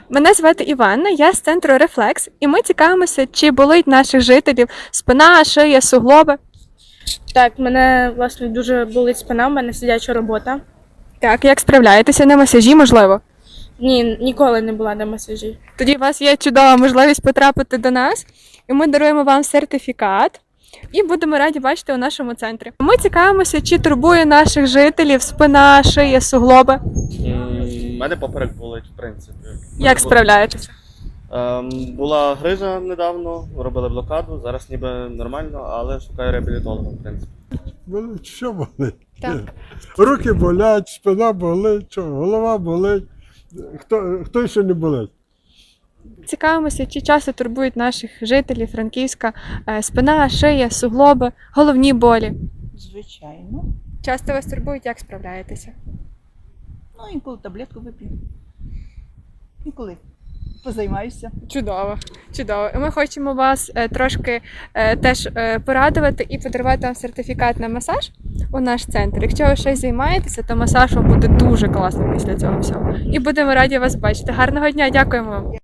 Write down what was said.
Мене звати Іванна, я з центру Рефлекс, і ми цікавимося, чи болить наших жителів спина, шия, суглоби. Так, мене власне дуже болить спина, в мене сидяча робота. Так, як справляєтеся на масажі, можливо? Ні, ніколи не була на масажі. Тоді у вас є чудова можливість потрапити до нас, і ми даруємо вам сертифікат. І будемо раді бачити у нашому центрі. Ми цікавимося, чи турбує наших жителів спина, шия, суглоби. У мене поперек болить, в принципі. Як справляєтеся? Була грижа недавно, робили блокаду, зараз ніби нормально, але шукаю реабілітолога, в принципі. Болить, що болить? Так. Руки болять, спина болить, що, голова болить. Хто ще не болить? Цікавимося, чи часто турбують наших жителів Франківська спина, шия, суглоби, головні болі. Звичайно. Часто вас турбують, як справляєтеся? Ну, інколи таблетку вип'ю. Інколи позаймаюся. Чудово, чудово. І ми хочемо вас трошки теж порадувати і подарувати вам сертифікат на масаж у наш центр. Якщо ви щось займаєтеся, то масаж вам буде дуже класно після цього всього. І будемо раді вас бачити. Гарного дня, дякуємо вам.